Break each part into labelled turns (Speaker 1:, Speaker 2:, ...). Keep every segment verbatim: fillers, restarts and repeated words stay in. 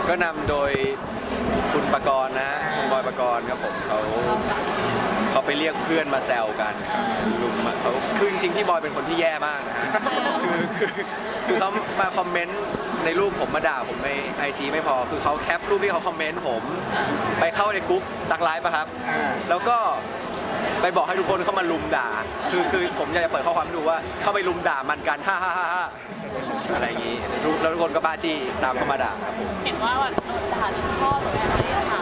Speaker 1: ก็นำโดยคุณปกรณ์นะคุณบอยปกรณ์ครับผมเขาเขาไปเรียกเพื่อนมาแซวกันลุมเขาคือจริงๆพี่บอยเป็นคนที่แย่มากนะฮะคือคือคือเขามาคอมเมนต์ในรูปผมมาด่าผมในไอจีไม่พอคือเขาแคปรูปที่เขาคอมเมนต์ผมไปเข้าในกรุ๊ปตักไลฟ์ป่ะครับแล้วก็ไปบอกให้ทุกคนเข้ามาลุมด่าคือคือผมอยากจะเปิดข้อความให้ดูว่าเข้าไปลุมด่ามันกันฮ่าฮ่าฮ่าฮ่าอะไรอย่างนี้แล้วทุกคนก็บ้าจี้ตามเข้ามาด่าครับผม
Speaker 2: เห็นว่าแบบโดนด่าจนพ่อสมัยนั้นที่ถาม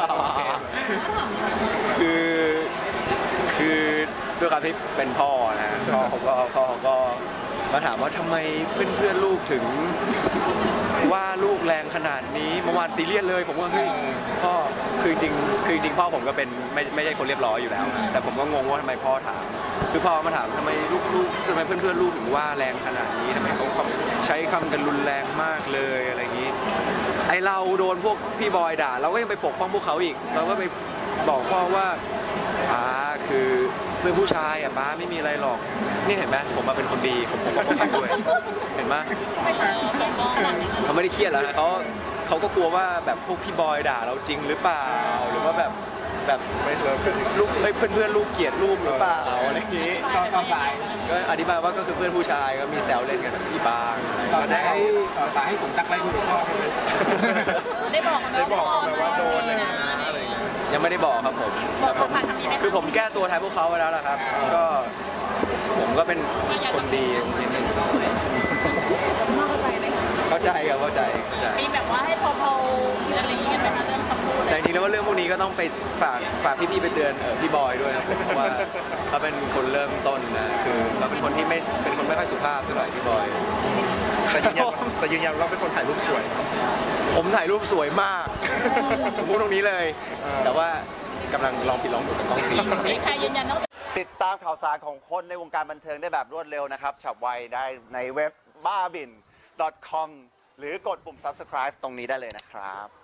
Speaker 1: คือคือด้วยการที่เป็นพ่อนะพ่อเขาก็พ่อเขาก็มาถามว่าทำไมเพื่อนเพื่อนลูกถึงว่าลูกแรงขนาดนี้เมื่อวานซีเรียสเลยผมว่าเฮ้ยพ่อคือจริงคือจริงพ่อผมก็เป็นไม่ไม่ใช่คนเรียบร้อยอยู่แล้วแต่ผมก็งงว่าทำไมพ่อถามคือพ่อมาถามทำไมลูกลูกทำไมเพื่อนเพื่อนลูกถึงว่าแรงขนาดนี้ทำไมเขาใช้คำกันรุนแรงมากเลยอะไรอย่างนี้ไอเราโดนพวกพี่บอยด่าเราก็ยังไปปกป้องพวกเขาอีกเราก็ไปบอกพ่อว่าป้าคือเพื่อนผู้ชายอ่ะป้าไม่มีอะไรหรอกนี่เห็นไหมผมมาเป็นคนดีผมผมก็ป้องกันด้วยเห็นไหมเขาไม่ได้เครียดแล้วนะเขาเขาก็กลัวว่าแบบพวกพี่บอยด่าเราจริงหรือเปล่าหรือว่าแบบแบบลูกเพื่อนเพื่อนลูกเกลียดลูกหรือเปล่าอะไรอย่างนี้
Speaker 3: ต่อต่อสาย
Speaker 1: ก็อธิบายว่าก็คือเพื่อนผู้ชายก็มีแซวเล่นกันแบบนี้บ้าง
Speaker 3: ต่อได้ต่อสายให้ผมตักไล่คุณพ่อเลย
Speaker 2: ได้บอก
Speaker 3: ได้บอกไหมว่าโดนเลยนะ
Speaker 1: ยังไม่ได้บอกครับผมแต่ผมคือผมแก้ตัวแทนพวกเขาไปแล้วล่ะครับก็ผมก็เป็นคนดีนิดนึงเข้าใจครับเข้าใจเข้าใจ
Speaker 2: มีแบบว่าให้พอๆอะไรอย่างเงี้ยไหมคะเรื่องคำพูด
Speaker 1: แต่จริงๆแล้วว่าเรื่องพวกนี้ก็ต้องไปฝากฝากพี่ๆไปเตือนพี่บอยด้วยนะเพราะว่าเขาเป็นคนเริ่มต้นนะคือเขาเป็นคนที่ไม่เป็นคนไม่ค่อยสุภาพเท่าไหร่พี่บอย
Speaker 3: แต่ยืนยันแต่ยืนยันเราเป็นคนถ่ายรูปสวย
Speaker 1: ผมถ่ายรูปสวยมากผมพูดตรงนี้เลยแต่ว่ากำลังลองผิดลองถูกกับกล้องฟิล์ม
Speaker 2: มีใครยืนยันต้อง
Speaker 3: ติดตามข่าวสารของคนในวงการบันเทิงได้แบบรวดเร็วนะครับฉับไวได้ในเว็บบ้าบิน .com หรือกดปุ่ม ซับสไครบ์ ตรงนี้ได้เลยนะครับ